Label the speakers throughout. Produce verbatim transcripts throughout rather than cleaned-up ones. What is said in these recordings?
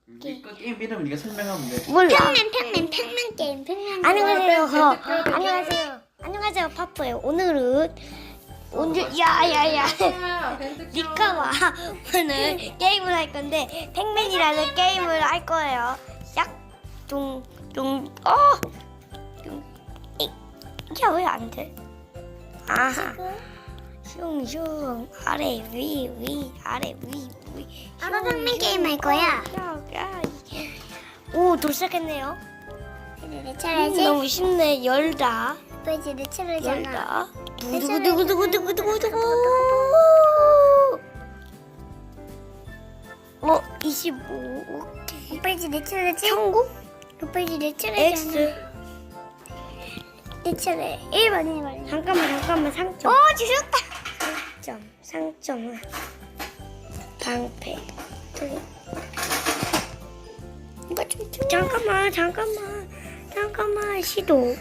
Speaker 1: 니꺼 게임 이름을 네가 설명하면 돼.
Speaker 2: 몰라.
Speaker 3: 평면 평면 평면 게임 평면.
Speaker 2: 안녕하세요.
Speaker 1: 어, 네, 네, 네, 네.
Speaker 2: 안녕하세요. 안녕하세요. 파프예요. 오늘은 오늘 야야야. 니카와 오늘 게임을 할 건데 팩맨이라는 게임을 할 거예요. 짝둥둥 어. 이게 왜 안 돼? 아하. 슝슝 아래 위 위 아래 위 위.
Speaker 3: 아빠 평면 게임 할 거야.
Speaker 2: 야, 오 도착했네요.
Speaker 3: 이제 내
Speaker 2: 음,
Speaker 3: 차례지.
Speaker 2: 너무 쉽네. 열다.
Speaker 3: 아빠 이제 내 차례잖아.
Speaker 2: 열다. 두구두구두구두구두구두구. 어 이십오. 오케이.
Speaker 3: 아빠 이제 내 차례지.
Speaker 2: 천구?
Speaker 3: 아빠 이제 내 차례잖아.
Speaker 2: X.
Speaker 3: 내 차례. 일 번 일 번.
Speaker 2: 잠깐만 잠깐만 상점.
Speaker 3: 어 주셨다.
Speaker 2: 상점 상점은 방패. 두.
Speaker 3: 이거 좀 좀.
Speaker 2: 잠깐만 잠깐만 잠깐만 시도.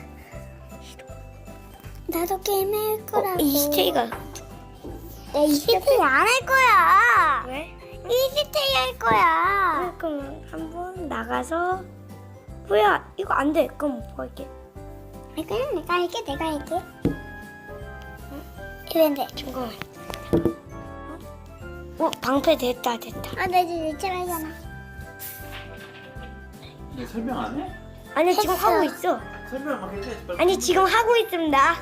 Speaker 3: 나도 게임 할
Speaker 2: 어
Speaker 3: 거라고.
Speaker 2: 이스테이가
Speaker 3: 나 이스테이 안 할 거야.
Speaker 2: 왜?
Speaker 3: 이스테이 할 거야.
Speaker 2: 그럼 한번 나가서 뭐야 이거 안 돼. 그럼 뭐 할게?
Speaker 3: 그냥 내가 할게 내가 할게. 이랬는데.
Speaker 2: 잠깐만. 어 방패 됐다 됐다.
Speaker 3: 아, 나 이제 내 차례잖아.
Speaker 1: 네 설명 안 해?
Speaker 2: 아니 지금
Speaker 3: 했어.
Speaker 2: 하고 있어.
Speaker 1: 설명 막 해줘야지. 빨리.
Speaker 2: 아니 지금 하고 있습니다.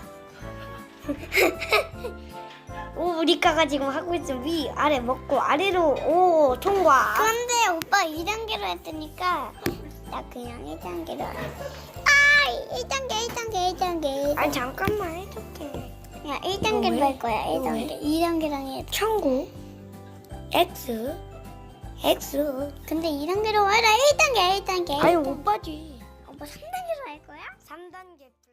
Speaker 2: 오 리카가 지금 하고 있음. 위 아래 먹고 아래로 오 통과.
Speaker 3: 근데 오빠 이 단계로 했으니까 나 그냥 일 단계로 해. 아, 일 단계, 일 단계, 일 단계.
Speaker 2: 아니 잠깐만 해줄게.
Speaker 3: 그냥 일 단계로
Speaker 2: 왜?
Speaker 3: 할 거야, 일
Speaker 2: 왜?
Speaker 3: 단계. 이 단계랑 해.
Speaker 2: 천구 X X.
Speaker 3: 근데 이 단계로 해라, 일 단계, 일 단계.
Speaker 2: 아니 오빠지.
Speaker 3: 오빠 삼 단계로 할 거야?
Speaker 2: 삼 단계.